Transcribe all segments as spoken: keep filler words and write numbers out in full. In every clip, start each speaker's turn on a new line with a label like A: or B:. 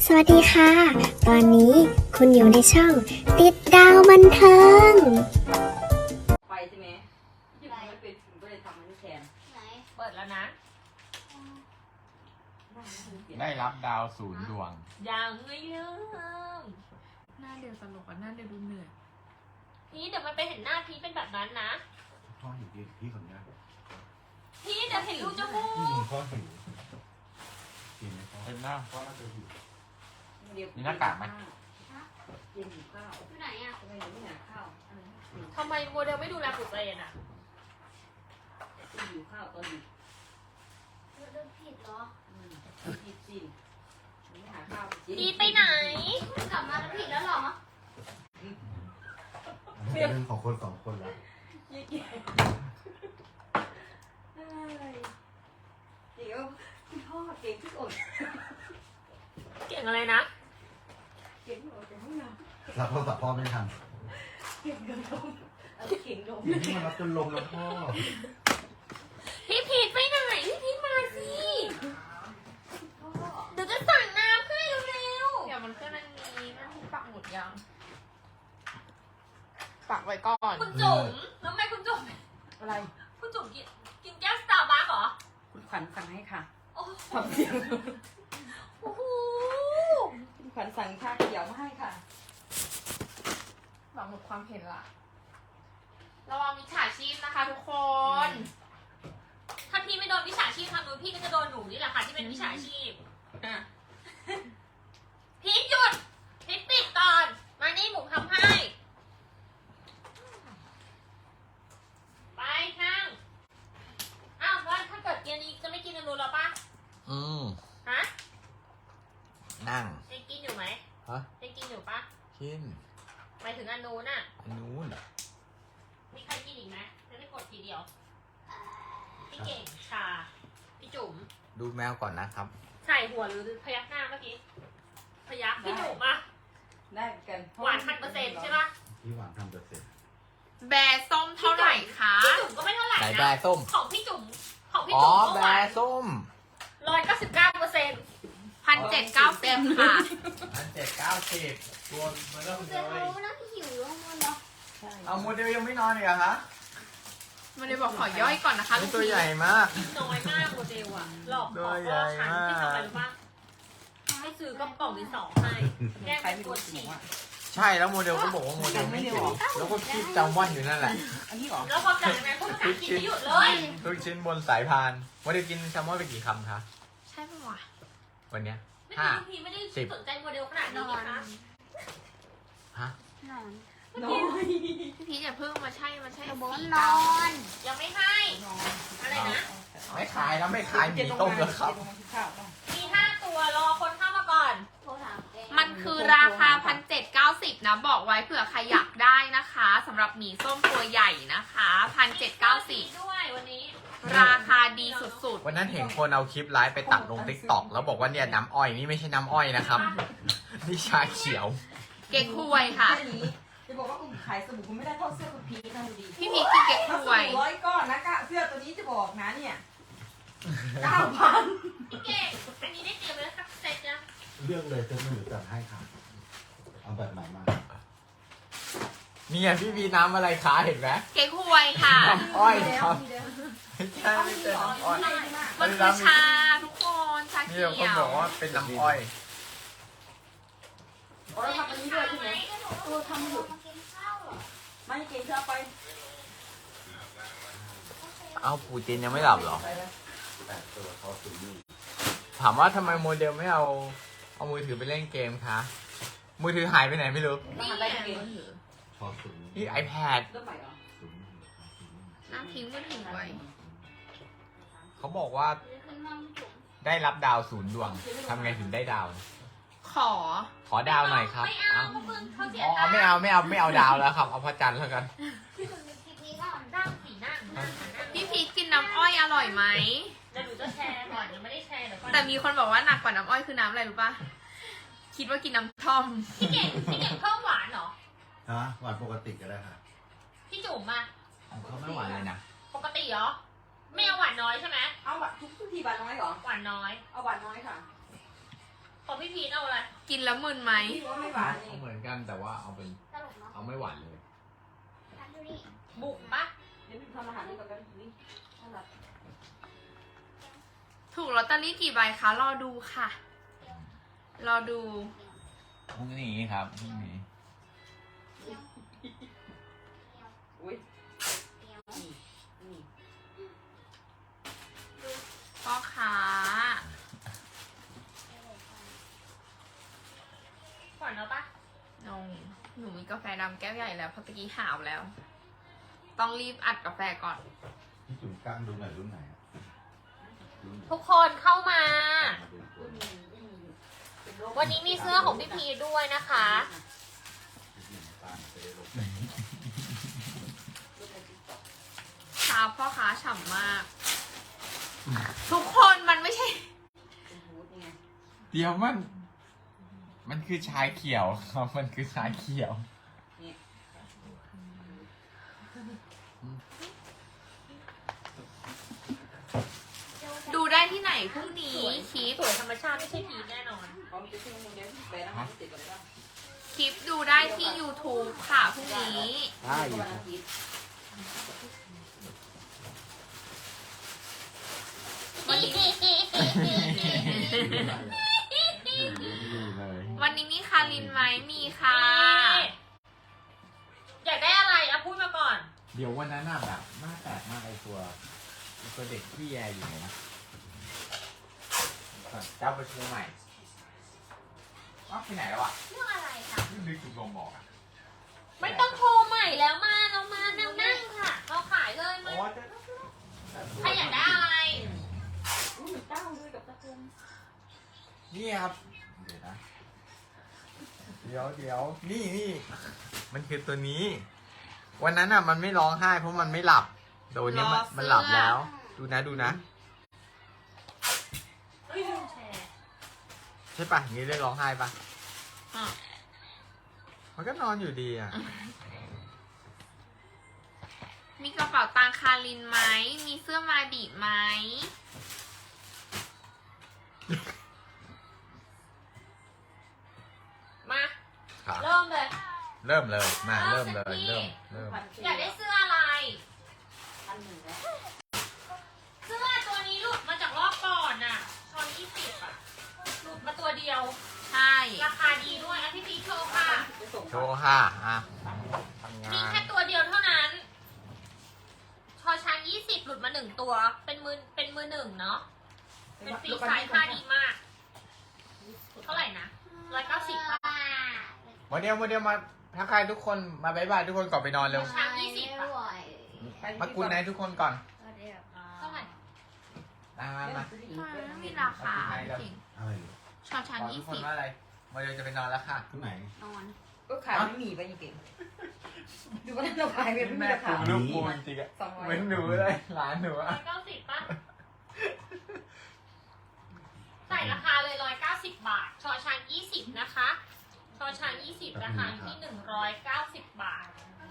A: สวัสดีค่ะ ตอนนี้คุณอยู่ในช่องติดดาวบันเทิง
B: ไปใช่ไหมที่ผมไม่เป็นผมก็เลยทำมันที่แทนไหนเปิดแล้วนะ
C: ได้รับดาวศูนย์ดวง
B: ยังไม่เริ่ม
D: หน้าเดียวตลกอ่ะหน้าเดียวดูเหนื่อย
B: พี่เดี๋ยวมันไปเห็นหน้าพี่เป็นแบบนั้นนะ
E: พ่อหิวพี่พี่คนนี้
B: พี่เดี๋ยวเห็นรูจมูก
E: พ่อหิวกินไหมพ่อ
C: เป็นหน้า
E: พ่อน่าจะหิว
C: มีหน้ากากไหม
B: เย็นหิวข้าว
F: อยู่ไหนอ่ะ
B: ทำไมไม่หาข้าวอะไรนะ
F: ทำไมโมเดลไม่ดูแลตัวเองอ่ะ
B: หิวข้าวตอนดึก
F: เรื่องผิดเหรอ
B: อืมผิดจริงไม่หาข้าวจริง
F: พี่ไปไหนคุณกลับมาแล้วผิดแล้วเหรอ
E: เรื่องของคนสองคนแล้ว
B: ยี่เก๋เดี๋ยวพี่พ่อเก่งที่สุด
F: เก่งอะไรนะ
B: เก่งที่สุดแต่ไม่ยอม
E: รับโทรศัพท์พ่อไม่ทัน
B: เก่งโดมเอาเก่งโดม
E: นี่มันรับจนลมแล้วพ่อ
F: พี่พีทไปไหนพี่พีทมาสิเดี๋ยวจะสั่งน้ำให้เร็ว
D: เดี๋ยวมันขึ้นอันนี้มันที่ปักหมุดยัง ปักไว้ก่อน
F: ๆคุณจุ๋มแล้วทำไมคุณจุ๋ม
B: อะไร
F: คุณจุ๋มกินกินแก้วสตาร์บัคเหรอ
B: คุณขวัญสั่งให้ค่ะ
F: โอ้
B: ทำเสียง
F: โอ้โห
B: คุณขวัญสั่งชาเขียวมาให้ค่ะ
D: ปักหมุดความเห็นละระวังมิจฉาชีพนะคะทุกคน
F: ถ้าพี่ไม่โดนวิชาชีพทางนู้นพี่ก็จะโดนหนูนี่แหละค่ะที่เป็นวิชาชีพ
B: อ่ะ
F: พีทหยุดพีทปิดก่อน มานี่หมูทำให้ ไปข้างอ้าวแล้วถ้าเกิดเย็นนี้จะไม่กินอนูนแล้วปะ
C: อืม
F: ฮะ
C: นั่ง
F: ยังกินอยู่ไหม
C: ฮะ
F: ยังกินอยู่ปะ
C: กิน
F: หมายถึงอนูนน่ะ
C: อันนู้น
F: มีใครกินอีกไหมจะได้กดทีเดียว พี่เก่งชา พี่จุ๋ม
C: ดูแมวก่อนนะครับ
F: ใส่หัวหรือพยักหน้าเมื่อกี้ พยักพี่จุ๋มอะ
B: ได้กัน
F: หวานพันเปอร์เซ็นต์ใช่ปะ
E: พี่หวานทำเปอร์เซ็นต์
D: แบร์ส้มเท่าไหร่คะ
F: พี่จุ๋มก็ไม่เท่าไหร่
C: ไหน
F: นะ
C: แบร์ส้ม
F: ของพี่จุ๋มของพี่
C: อ๋อ
F: จุ๋ม
C: แบ
F: เมื่อวาน
C: ร์ส้ม
F: ร้อยเก้าสิบเก้าเปอร์เซ็นต์
D: พันเจ็ดเก้าสิบค่ะ
C: อันเจ็ดเก้าสิบตัวมันเริ่ม
F: เจอรู้นะพี่หิวแล้วมันเนาะ
C: เอาโมเดลยังไม่นอนอีกเหรอคะ
D: มันเลยบอกขอย่อยก่อนนะคะลู
C: นี่
D: ก
C: ตัว
D: พี
C: ใหญ่มาก
F: น้อยมากโมเดลอะหลอก
C: ตัว
F: ขอ
C: ใหญ่
F: ฉัน
C: มาก
F: ที่ทำอะไรรู้ปะให้ซื้อกระป๋องดินสอให้แก้
B: ใคร
F: เป็น
B: ไม่
F: ก
B: รู้
F: ด
B: จริ
F: ฉี่
B: งว่า
C: ใช่แล้วโมเดลก็บอกว่าโมเดลไม่หิวแล้วก็คิดจำวันอยู่นั่นแหละ
B: อันนี้เหรอ
F: แล้วพอจากนั้นพูดภาษาอังกฤษไม่หยุดเลย
C: ทุกชิ้นบนสายพานโมเดลกินแซลมอนไปกี่คำคะ
D: ใช่ปะวะ
C: วันเนี้ย
F: ไม่
C: ห้า
F: พี่ไม่ได้
C: สิบ
F: สนใจโมเดลขนาดนี้นะคะ
C: ฮะ
F: นอน
B: น้อย
D: พี่พีชอย่าเพิ่งมาใช่มาใช่
F: บน
D: สี
F: น
D: เก้า
F: อน ยังไม่ให้ อะไรนะ
C: ไม่ขายแล้วไม่ขายหมีต้มแล้วครับ
F: มีห้าตัวรอคนเข้ามาก่อนโทรถามเอง
D: มันคือราคาพันเจ็ดเก้าสิบนะ บอกไว้เผื่อใครอยากได้นะคะสำหรับหมีส้มตัวใหญ่นะคะพันเจ็ดเก้าสิบ
F: ด้วยวันนี้
D: ราคาดีสุด
C: วันนั้นเห็นคนเอาคลิปไลฟ์ไปตัดลงติ๊กต็อกแล้วบอกว่าเนี่ยน้ำอ้อยนี่ไม่ใช่น้ำอ้อยนะครับ นี่ชาเขียว
D: ๆ เก๊กฮวยค่ะ
B: แค่นี้จะบอกว่าคุณขายสบู่คุณไม่ได้เท่าเสื้อคุณพีทนะดูดี
D: พี่พีชกินเก๊ก
B: ถ้า
D: ฮ
B: ส
D: วย
B: บู่ร้อยก้อนนะกะเสื้อตัวนี้จะบอกนะเนี่ยเก้าพัน
F: พี่เก่งอันนี้ได้เตรียมไว้สักเซตนะ
E: เรื่องเลยจะไม่หนูจัดให้ค่ะเอาแบบไหนมา
C: เนี่ยพี่มีน้ำอะไรคะเห็นไหม
D: เก๊กฮวยค่ะ
C: น้ำอ้อยครับไม่ใช่ไม่ใช่น้ำอ้อย
D: มันคือชาทุกคนชา
C: นี่
D: เขี
C: เราคน
D: ยว
C: บอกว่าเป็นน้ำอ้อย
B: เราทำอันนี้ด้วยใช่ไหมตัวทำหยุดไม่เก่งจะเอาไป
C: เอาปูจินยังไม่หลับเหรอ
B: ไปแล้ว
E: แปดตัวเขาสูงนี่
C: ถามว่าทำไมโมเดลไม่เอาเอามือถือไปเล่นเกมคะมือถือหายไปไหนไม่รู้
D: นี่
B: ทำ
D: ไง
B: ได้เก่ง
E: พอสูง
C: นี่ iPad
B: เริ่มใหม่เหรอ
E: สูง
D: น้ำทิ้งมือถือไว้
C: เขาบอกว่าได้รับดาวศูนย์ดวงทำไงถึงได้ดาว
D: ขอ
C: ขอดาวหน่อยครับ
F: ไม่เอาเพราะมึงเขาเสีย
C: อ๋อ
F: ตังค์
C: ไม่เอาไม่เอาไม่เอาดาวแล้วครับเอาพระจันทร์แล้วกัน
F: พี่มึงเป็นคลิปนี้ก่อนนั่งสีนั่งนั่งนั่ง
D: พี่พีชกินน้ำอ้อยอร่อยไหม
F: เดี๋ยวหนูจะแชร์ก่อนยังไม่ได้แชร์เดี๋ยวก่อน
D: แต่มีคนบอกว่าหนักกว่าน้ำอ้อยคือน้ำอะไรรู้ปะคิดว่ากินน้ำท่อม
F: พี่เก่งพี่เก่งเพิ่มหวานเหรอ
E: ฮะหวานปกติก็ได้ค่ะ
F: พี่จุ๋มอะ
C: เขาไม่หวานเลยนะ
F: ปกติเหรอ ไม่เอาหวานน้อยใช่ไหม
B: เอาบัตรทุกทีบัตรน้อยเหรอ
F: หวานน้อย
B: เอาบัตรน้อยค่ะ
F: ของพี่พีทเอาอะไร
D: กินแล้วมึนไหม
B: ว่าไม่หวานนี่
C: เอาเหมือนกันแต่ว่าเอาเป็น
A: ตลกเนาะ
C: เอาไม่หวานเลย
A: ทันดูนี่
F: บุกปะ
B: เดี๋ยวพี่ทำอาหารให้กับกันนี่น่ารัก
D: ถูกลอตเตอรี่กี่ใบคะ รอดูค่ะ รอดู
C: พรุ่งนี้ครับพรุ่งนี้
B: อุ้ย
A: เดี๋ยว
B: นี่นี่
D: พ่อค้า
F: ขวัญเอาปะ
D: นงหนูมีกาแฟดำแก้วใหญ่แล้วเพราะตะกี้หาวแล้ว ต้องรีบอัดกาแฟก่อน
E: พี่จุ๋มกล้างดูหน่อยรุ่นไหนอะรุ่นไหน
F: ทุกคนเข้ามา
E: มาดูตัว
B: อืมอืมเป็นโรค
F: วันนี้มีเสื้อของพี่พีทด้วยนะคะ
E: ที่หนึ่งตามไปได้ลง
D: ชาพ่อค้าฉ่ำมาก ทุกคนมันไม่ใช่
B: เป็นฮูดนี่ไง
C: เดี๋ยวมัน มันคือชายเขียวครับมันคือชายเขียว
B: นี่
D: ดูได้ที่ไหนพรุ่งนี้
F: สวย
D: คลิป
F: สวยธรรมชาติไม่ใช่พีทแน่นอน
B: พร้อมจะชื่อมึงเดี๋ยวแบนอาหารเสร็จก่อนเลยป่ะ
D: คลิปดูได้ที่ YouTube ค่ะพรุ่งนี้
E: ใช่อยู่
B: วันอาทิตย์
D: วันนี้
E: ดูเลย
D: วันนี้มีคารินไหมมีค่ะ
F: อยากได้อะไรอ่ะพูดมาก่อน
C: เดี๋ยววันนั้นน่ะแบบหน้าแตกมากไอตัวไอ้ตัวเด็กที่แยอยู่ไหนนะเจ้าไปเชียงใหม่อ้าวไปไหนแล้วอ่ะ
F: เรื่องอะไรค่ะ
C: นี่นึกถึงลมบอกอ่ะ
F: ไม่ต้องโทรใหม่แล้วมาเรามานั่งนั่งค่ะ เราขายเลย
C: อ๋
F: มา
C: อเจะ
F: ใครอยากได้อะไร
B: อุ้ยมีเต้าด้วยกับตะกง
C: นี่ครับ เดี๋ยวนะ เดี๋ยวเดี๋ยวนี่นี่มันคือตัวนี้ วันนั้นอ่ะมันไม่ร้องไห้เพราะมันไม่หลับโดยนี้มัน
D: รอเสื้อ
C: มันหลับแล้ว ดูนะดูนะ
F: เฮ้ยลืมแชร์
C: ใช่ปะอย่างนี้เรียกร้องไห้ปะ
D: อ่ะ
C: มันก็นอนอยู่ดีอ่ะ
D: มีกระเป๋าตังคารินไหม มีเสื้อมาบีไหม
F: มา
C: ครับ
F: เริ่มเลย
C: เริ่มเลย มา
F: เอา
C: เริ่มเลย
F: สักที
C: เริ่ม เริ่ม
B: พันสี่
F: อยากได้เสื้ออะไร
B: พันหนึ่งแล้ว
F: เสื้อตัวนี้หลุดมาจากรอบก่อนน่ะชอนยี่สิบอ่ะ หลุดมาตัวเดียว
D: ใช่
F: ราคาดีด้วยอ่ะพี่พีชโชว์ค่ะ
B: ไปส่ง
C: โชว์ค่ะ อ่ะทำงา
F: มี
C: น
F: แค่ตัวเดียวเท่านั้น ชอช้างยี่สิบหลุดมาหนึ่งตัว เป็นมือ เป็นมือหนึ่งเนาะ เป็นฟรีไซส์ค่าดีมาก เท่าไหร่นะร้อยเก้าสิบป่ะ
C: โมเดลโมเดลมาทักทายทุกคนมาบายบายทุกคนก่อนไปนอนเร็ว
F: ช้างยี่สิบป่ะ
C: มากุนไนทุกคนก่อน
F: เท่าไหร่
C: มามามา
D: ไม่มีราคาจริง
E: อะไรอยู่
D: ชอช้าง
C: บอก
D: ยี่
C: ทุกคน
D: สิบ
C: ว่าอะไรโมเดลจะไปนอนแล้วค่ะ
E: รุ่นไหน
B: ก็ขายไม่มีไปยังเก่งดูว่าเราขายไม่มีราคา
C: ลูกกูจริงๆอะ
B: สองร้อย
C: เหมือนหนูเลยหลานหนู
F: ร้
C: อะ
F: อยเก้าสิบป่ะ ใส่ราคาเลยร้อยเก้าสิบบาท ชอช้างยี่สิบนะคะ ชอช้างยี่สิบราคาอยู่ที่หนึ่งร้อยเก้าสิบบาท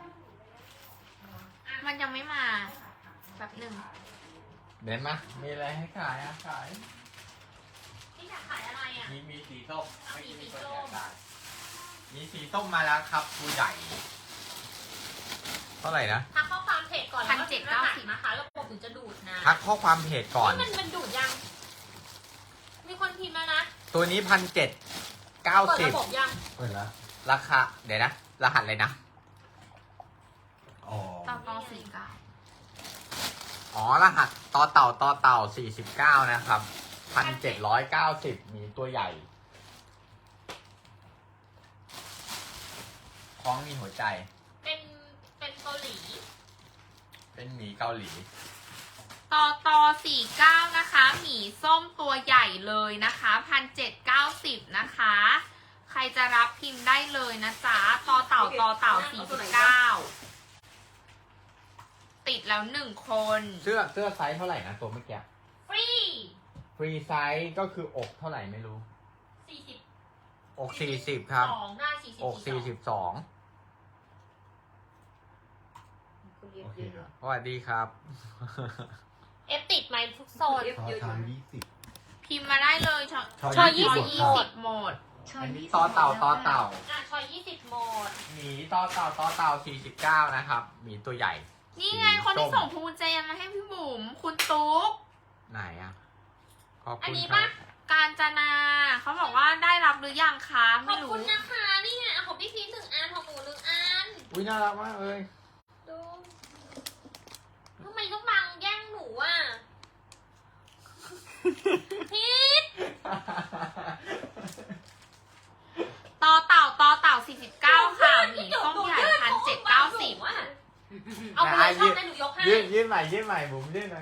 D: มันยังไม่มาแบบหนึ่ง
C: เด่นมามีอะไรให้ขายอะขาย
F: นี่อยากขายอะไรอ่ะ
C: มีมีสีส้มไม่
F: มีสี
C: มี
F: ส้
C: คน
F: ม
C: อยากได้มีสีส้มมาแล้วครับตัวใหญ่ เท่าไหร่นะ
F: ทักข้อความเพจก่อนแล้วก็พิมพ์รหัสนะคะระบบถึงจะดูดนะ
C: ทักข้อความเพจก่อน
F: นี่มันมันดูดยัง มีคนพิมพ์แล้วนะ
C: ตัวนี้พันเจ็ดเก้า
F: เปิด
C: สิบ
F: ระบบยัง
E: เปิดแล้ว
C: ราคา เดี๋ยวนะ รหัสเลยนะ
E: อ๋อ
D: ต่อต่อสี่เก้า
C: อ๋อ รหัสต่อเต่าต่อเต่าสี่สิบเก้านะครับพันเจ็ดร้อยเก้าสิบมีตัวใหญ่คล้องมีหัวใจ
F: เป็น เป็นเกาหลี
C: เป็นหมีเกาหลี
D: ต่อต่อสี่เก้านะคะหมีส้มตัวใหญ่เลยนะคะพันเจ็ดเก้าสิบนะคะ ใครจะรับพิมพ์ได้เลยนะจ๊ะต่อเต่าต่อเต่าสี่สิบเก้าติดแล้วหนึ่งคน
C: เสื้อเสื้อไซส์เท่าไหร่นะตัวเมื่อกี้
F: ฟรี
C: ฟรีไซส์ก็คืออกเท่าไหร่ไม่รู้
F: สี่สิบอก
C: สี่สิบครับ
F: สองหน้าสี่สิบอก
C: สี่สิบสอง
B: คนเรียน
E: โอเค
B: เยอะ
E: ครับ
C: สวัสดีครับ
F: เอฟติดไหมทุกโซน
E: ชอช้างยี่สิบ
D: พิมพ์มาได้เลยชอ
F: ชอยี่สิบ
D: ยี่สิบโหมด
C: อันนี้ต่อเต่าต่อเต่า
F: อ่ะชอยยี่สิบโหมด
C: หมีต่อเต่าต่อเต่าสี่สิบเก้านะครับหมีตัวใหญ่
D: นี่ไงคนที่ส่งพวงกุญแจมาให้พี่บุ๋มคุณตุ๊ก
C: ไหนอ่ะ ขอบ
F: อัน
C: คุณ
F: นี้
C: ครั
F: ปะ
C: บ
D: การจนาเขาบอกว่าได้รับหรือยังคะ
F: ข
D: ไม่
F: อบ
D: รู้
F: คุณนะคะนี่ไงของพี่พีชหนึ่งอันของหนูหนึ่งอัน
C: อุ้ยน่ารักมากเลย
F: ดูทำไมต้องบังแย่งหนูอ่ะพีช
D: ต่อเต่าต่อเต่าสี่สิบเก้าค่ะหมีส้มใหญ่พันเจ็ดเก้าสิบ
F: เอาไปเลยชอบไหมหนูยกให้
C: ยื่นยื่นใหม่ยื่นใหม่บุ๋มยื่นหน่อย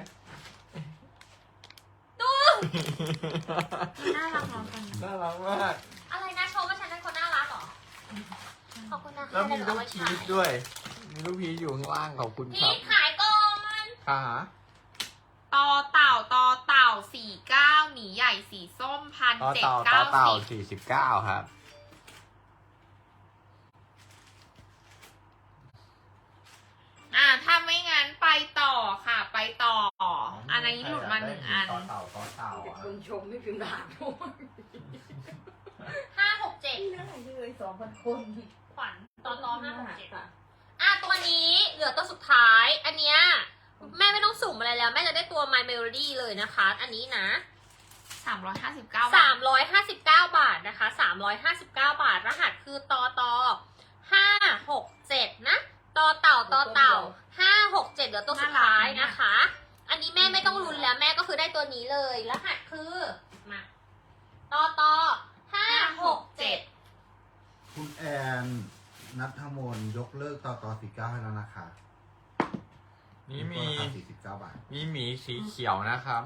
F: ดู
D: น่ารักน้องกัน
C: น่ารักมาก
F: อะไรนะชมว่าฉันเป็นคนน่ารักเหรอขอบคุณนะคะ
C: แล้วมี
F: เดี๋ยว
C: ลู
F: เอา
C: ก
F: ไว้
C: พี
F: ขาย
C: ชด้วย มีลูกพีชอยู่ข้างล่างขอบคุณค
F: พี
C: รับ
F: ชขายก่อน
C: ค่ะ
D: ต่อเต่าต่อเต่าสี่เก้าหมีใหญ่สีส้มพัน
C: ต่อ
D: เจ็ด
C: เต่าต่อ
D: เก้า
C: เต่า
D: สิบ
C: สี่สิบเก้าครับ
D: อ่าถ้าไม่งั้นไปต่อค่ะ ไปต่อ อันนี้หลุดมาหนึ่งอัน
C: ต่อเต่าต่อเต่า
B: เด็ก
C: อะ
B: คนชมไม่พิมพ์ด่าด้วย
F: ห้าหกเจ็ด
B: น่าเลยสองพันคน
F: ขวัญตอนรอห้าหกเจ็ด
B: ค่ะ
F: อ่ะตัวนี้เหลือตัวสุดท้าย อันเนี้ยแม่ไม่ต้องสุ่มอะไรแล้ว แม่จะได้ตัว My Melody เลยนะคะ อันนี้นะ
D: สามร้อยห้าสิบเก้า
F: สามร้อยห้าสิบเก้าบาทนะคะสามร้อยห้าสิบเก้าบาท รหัสคือตอตอห้าหกเจ็ดนะตอเต่าตอเต่าห้าหกเจ็ดเหลือตัวสุดท้ายนะคะ อันนี้แม่ไม่ต้องรุนแล้วแม่ก็คือได้ตัวนี้เลย รหัสคือมาตอตอห้าหกเจ็ด
E: คุณแอนนัทมนยกเลิกต่อต่อสี่เก้าให้แล้วนะคะ
C: นี่มี
E: ตัวละสี่สิบเก้าบาท
C: มีหมีสีเขียวนะครับ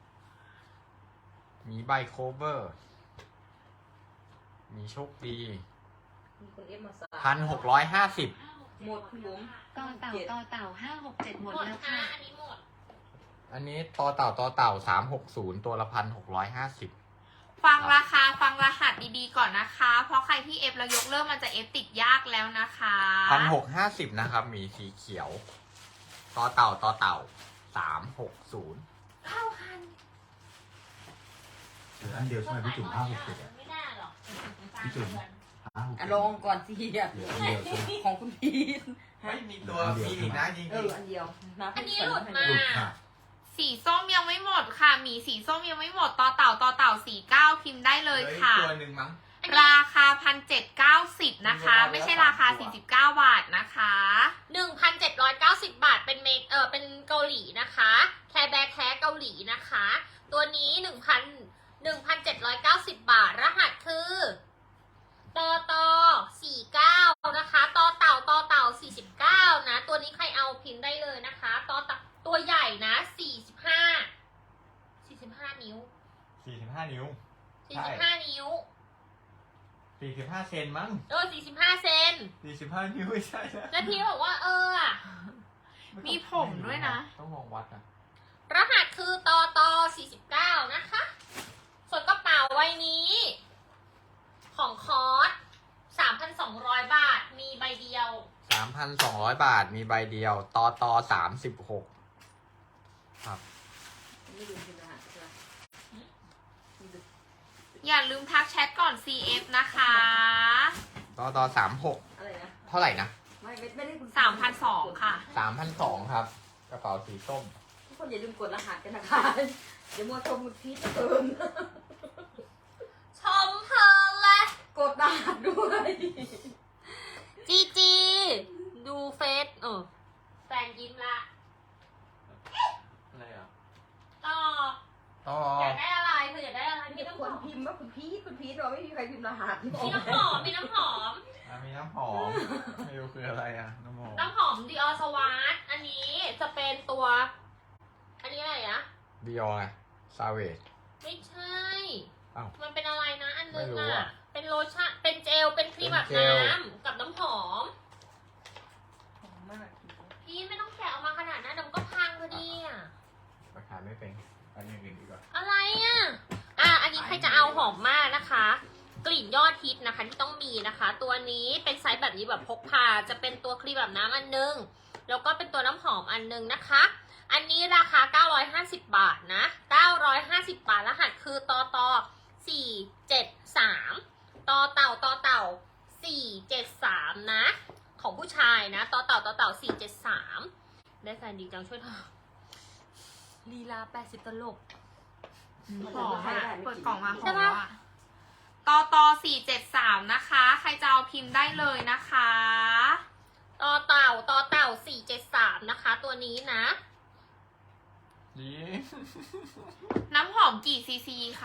C: หมีใบโคเวอร์ มีโชคดี
B: มีคนเอฟมาสา
C: พันหกร้อยห้าสิบ
B: หมดคุณบุ๋ม
A: ต่อเต่าต่อเต่าห้าหกเจ็ดหมด
F: หมด
A: แล้ว
F: ค่ะ
A: ค่ะ
F: อันนี้หมด
C: อันนี้ต่อเต่าต่อเต่าสามหกศูนย์ตัวละพันหกร้อยห้าสิบ
D: ฟังราคาฟังรหัสดีๆก่อนนะคะ เพราะใครที่เอฟแล้วยกเลิกมันจะเอฟติดยากแล้วนะคะ
C: พันหกห้าสิบนะครับหมีสีเขียว ต่อเต่าต่อเต่าสามหกศูนย์
F: เข้าคัน
E: เหลืออันเดียวใช่ไหมพี่จุ๋มห้าหกเจ็ดอะ
F: ไม่น่าหรอก
E: พี่จุ๋ม ห้าหก
B: อ่ะ
E: เจ็ด
B: ลองก่อนสิอ่ะ
E: เหลืออันเดียวใช่ไหม
B: ของคุณพีท
C: ไม่มีตัวมีอีกนะจริง
B: เอออันเดียวนะ
F: อันนี้หลุดมา
E: หลุดค่ะ
D: สีส้มยังไม่หมดค่ะหมีสีส้มยังไม่หมดต่อเต่าต่อเต่าสี่เก้าพิมพ์ได้
C: ๆ
D: เลยค่ะ
C: ตัวหนึ่งมั้ง
D: ราคาพันเจ็ดเก้าสิบนะคะ ไม่ใช่ราคาสี่สิบเก้าบาทนะคะ
F: หนึ่งพันเจ็ดร้อยเก้าสิบบาทเป็นเมกเออเป็นเกาหลีนะคะ แคร์แบร์แท้เกาหลีนะคะ ตัวนี้หนึ่งพันหนึ่งพันเจ็ดร้อยเก้าสิบบาท รหัสคือตอตอสี่เก้านะคะตอเต่าตอเต่าสี่สิบเก้านะ ตัวนี้ใครเอาพิมพ์ได้เลยนะคะตอเต่าตัวใหญ่นะสี่สิบห้าสี่สิบห้านิ้ว
C: สี่สิบห้านิ้ว
F: สี่สิบห้านิ้ว
C: สี่สิบห้าเซนมั้ง
F: เออสี่สิบห้าเซน
C: สี่สิบห้านิ้วไม่ใช่นะ
F: แล้วพี่บอกว่าเอออะ
D: มีผมด้วยนะ
C: ต้องลองวัดอ่ะ
F: รหัสคือตอตอสี่สิบเก้านะคะ ส่วนกระเป๋าใบนี้ ของคอร์สสามพันสองร้อยบาท มีใบเดียว
C: สามพันสองร้อยบาทมีใบเดียว ต่อต่อสามสิบหกครับ
B: ไม่ลืมพิมพ์รหัสใช่ไหม
D: อย่าลืมทักแชทก่อน ซี เอฟ นะคะ
C: ต่อต่อสามหก
B: อะไรนะ
C: เท่าไหร่นะ
B: ไม่ไม่ไม่ได้คุณ
D: สามพันสองค่ะ
C: สามพันสองครับ กระเป๋าสีส้ม
B: ทุกคนอย่าลืมกดรหัสกันนะคะ เดี๋ยวมัวชมคุณพีทจะเติม
F: ชมเพลินเลย
B: กดรหัสด้วย
F: จีจี ดูเฟซเออแฟนยิ้มละ
C: อะไรอ่ะ
F: ต่อ
C: ต่อ
F: อยากได้อะไรเธออยากได้อะไร
B: มี
F: มีน้ำห
B: ค
F: อน ม
B: พิมพ์ว่าคุณพีทคุณพีทเราไม่มีใครพิมพ์รหัส
F: มีน้ำหอมมีน้ำหอม
C: อ่ะมีน้ำหอม ไม่รู้คืออะไรอ่ะ น้ำหอม
F: น้ำหอมดิออสวาร์อันนี้จะเป็นตัว อันนี้อะไรอะ
C: บิออไงซาเวจ
F: ไม่ใช่
C: อ้าว
F: มันเป็นอะไรนะอันนึง
C: ไม่รู้
F: อะ
C: อะ
F: เป็นโลชั่น เป็นเจล เป็นครีมอาบ
C: เป็นเจล
F: น้ำกับน้ำหอม
B: หอมมาก
F: พี่ไม่ต้องแกะออกมาขนาดนั้นเดี๋ยวมันก็พังพอดีอะ
C: ราคาไม่เป็นอันนี้อื่นดีกว่า
F: อะไรอะอ่ะ อันนี้ใครจะเอาหอมมากนะคะ กลิ่นยอดฮิตนะคะที่ต้องมีนะคะ ตัวนี้เป็นไซส์แบบนี้แบบพกพา จะเป็นตัวครีมแบบน้ำอันนึง แล้วก็เป็นตัวน้ำหอมอันนึงนะคะอันนี้ราคาเก้าร้อยห้าสิบบาทนะเก้าร้อยห้าสิบบาทรหัสคือตอตอสี่เจ็ดสามตอเต่าตอเต่าสี่เจ็ดสามนะ ของผู้ชายนะต่อเต่าต่อเต่าสี่เจ็ดสามได้แฟนดีจังช่วยเธอลีลาแปดสิบตลก
D: หอมอ่ะเปิดกล่องมาหอมแล้วอ่ะตอตอสี่เจ็ดสามนะคะ ใครจะเอาพิมพ์ได้เลยนะคะ
F: ต่อเต่าต่อเต่าสี่เจ็ดสามนะคะ ตัวนี้นะ
C: นี่
D: น้ำหอมกี่ซีซีคะ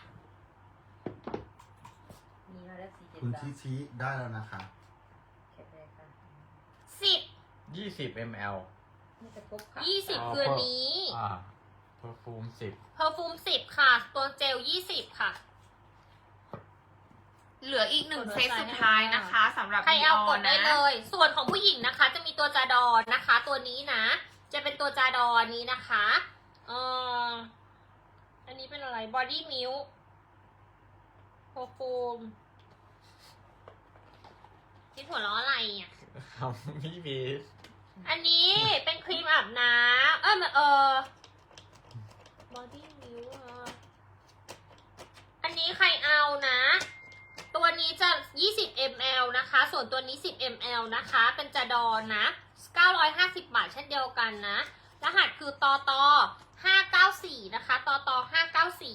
B: นี่มาแล้วสี่เจ็ด
E: คุณ
B: สาม
E: ชิชิได้แล้วนะคะ
B: แค่แรกค่ะ
F: สิบ
C: ยี่สิบมล
B: นี่จะพบค่ะ
F: ยี่สิบ
C: อ๋อ
F: คืออนนี้
C: อ่าเพอร์ฟูมสิบ
F: เพอร์ฟูมสิบค่ะ ตัวเจลยี่สิบค่ะ
D: เหลืออีกหนึ่งเซตสุดท้ายนะคะสำหรับ
F: ใครเอากด
D: นะ
F: ได้เลย ส่วนของผู้หญิงนะคะ จะมีตัวจาดอนนะคะ ตัวนี้นะ จะเป็นตัวจาดอนนี้นะคะเอ่ออันนี้เป็นอะไร body milk perfume คิดหัวล้ออะไรอ่ะ
C: ครับพี่บี
F: อันนี้เป็นครีมอาบน้ำเออเออ body milk อ่ะอันนี้ใครเอานะ ตัวนี้จะ ยี่สิบมิลลิลิตร นะคะ ส่วนตัวนี้ สิบมิลลิลิตร นะคะ เป็นจาดอนนะ เก้าร้อยห้าสิบบาทเช่นเดียวกันนะ รหัสคือตอตอห้าเก้าสี่นะคะ ตอตอห้าเก้าสี่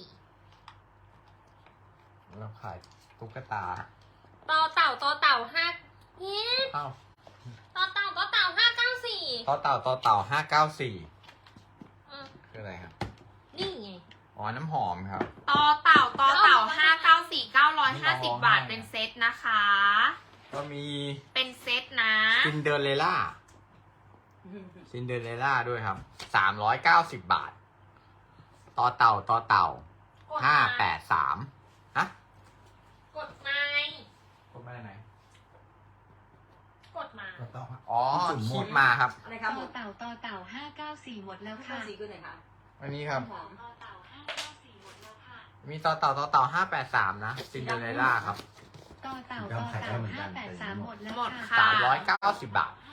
C: เราขายตุ๊กตา
F: ตอเต่าตอเต่าห้าเฮ้
C: เอ้า
F: ตอเต่าตอเต่าห้าเก้าสี่
C: ต่อเต่าต่อเต่าห้าเก้าสี่
F: อืม
C: คืออะไรครับ
F: นี่ไง
C: อ๋อ น้ำหอมครับ
D: ต่อเต่าต่อเต่าห้าเก้าสี่เก้าร้อยห้าสิบบาทเป็นเซตนะคะ
C: ก็มี
D: เป็นเซตนะ
C: ซินเดอเรลล่า ซินเดอเรลล่าด้วยครับ สามร้อยเก้าสิบบาท ต่อเต่าต่อเต่าก
F: ด
C: ห้า
F: มา
C: แปดสามฮะ
F: กดมา
C: กดมาไหน
F: กดมา
E: ก็ต้อง
C: อ๋อ
E: จุ่มหม
C: คิ
E: ด
C: ดมาครับ
B: อะไรครับ
G: ต่อเต่าต่อเต่าห้าเก้าสี่หมดแล้ว
B: ข้า
G: ค่ะ
B: วสีคือไหนคะ
C: อันนี้ครับ
B: หอม
G: ต่อเต่าห้าเก้าสี่หมดแล้วค่ะ
C: มีต่อเต่าต่อเต่าห้าแปดสามนะ ซินเดอเรลล่าครับ
G: ต่อเต่าต่อเต่าห้าแปดสามหมดแล้ว
D: หมด
G: ค่ะ
D: ค่ะ
C: สามร้อยเก้าสิบบาท
G: ห้